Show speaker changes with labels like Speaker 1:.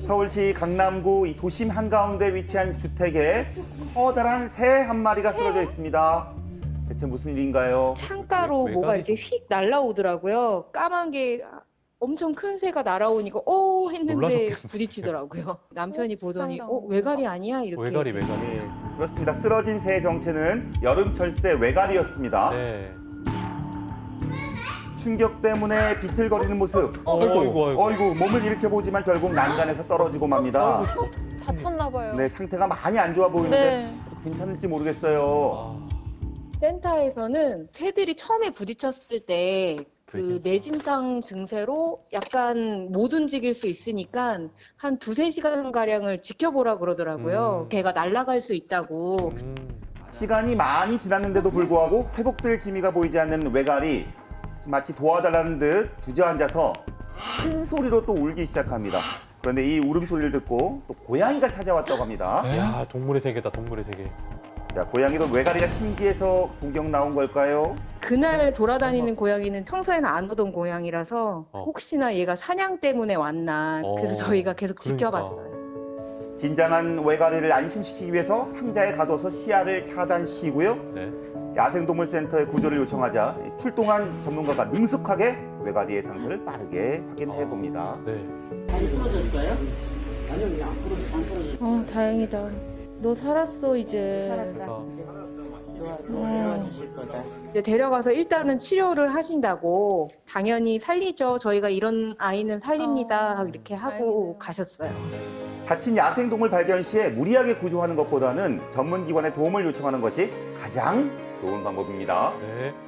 Speaker 1: 서울시 강남구 이 도심 한가운데 위치한 주택에 커다란 새 한 마리가 쓰러져 있습니다. 대체 무슨 일인가요?
Speaker 2: 창가로 뭐가 이렇게 휙 날아오더라고요. 까만 게 엄청 큰 새가 날아오니까 했는데
Speaker 3: 놀라셨겠네.
Speaker 2: 부딪히더라고요. 남편이 보더니
Speaker 4: 속상하다.
Speaker 2: 외갈이 아니야? 이렇게
Speaker 3: 외가리.
Speaker 1: 네, 그렇습니다. 쓰러진 새의 정체는 여름철새 외갈이었습니다.
Speaker 3: 네.
Speaker 1: 충격 때문에 비틀거리는 모습.
Speaker 3: 아이고.
Speaker 1: 어이구, 몸을 일으켜보지만 결국 난간에서 떨어지고 맙니다.
Speaker 4: 다쳤나 봐요.
Speaker 1: 네, 상태가 많이 안 좋아 보이는데
Speaker 4: 네.
Speaker 1: 괜찮을지 모르겠어요.
Speaker 3: 아,
Speaker 2: 센터에서는 새들이 처음에 부딪혔을 때 그
Speaker 3: 뇌진탕.
Speaker 2: 뇌진탕 증세로 약간 못 움직일 수 있으니까 한 2~3시간 가량을 지켜보라 그러더라고요. 걔가 날아갈 수 있다고.
Speaker 1: 시간이 많이 지났는데도 불구하고 회복될 기미가 보이지 않는 외갈이 마치 도와달라는 듯 주저앉아서 큰 소리로 또 울기 시작합니다. 그런데 이 울음소리를 듣고 또 고양이가 찾아왔다고 합니다.
Speaker 3: 야, 동물의 세계다, 동물의 세계.
Speaker 1: 자, 고양이도 외가리가 신기해서 구경 나온 걸까요?
Speaker 2: 그날 돌아다니는 고양이는 평소에는 안 오던 고양이라서
Speaker 3: 어.
Speaker 2: 혹시나 얘가 사냥 때문에 왔나 그래서 저희가 계속
Speaker 3: 그러니까.
Speaker 2: 지켜봤어요.
Speaker 1: 긴장한 외가리를 안심시키기 위해서 상자에 가둬서 시야를 차단시키고요.
Speaker 3: 네.
Speaker 1: 야생동물센터에 구조를 요청하자 출동한 전문가가 능숙하게 외가리의 상태를 빠르게 확인해 봅니다.
Speaker 3: 네.
Speaker 5: 다리 부러졌어요? 아니요, 그냥 안 부러졌어요.
Speaker 4: 다행이다. 너 살았어 이제.
Speaker 5: 살았다. 도와주실 거다.
Speaker 2: 이제 데려가서 일단은 치료를 하신다고 당연히 살리죠. 저희가 이런 아이는 살립니다. 이렇게 하고
Speaker 4: 다행이네요.
Speaker 2: 가셨어요.
Speaker 1: 다친 야생동물 발견 시에 무리하게 구조하는 것보다는 전문기관의 도움을 요청하는 것이 가장 좋은 방법입니다.
Speaker 3: 네.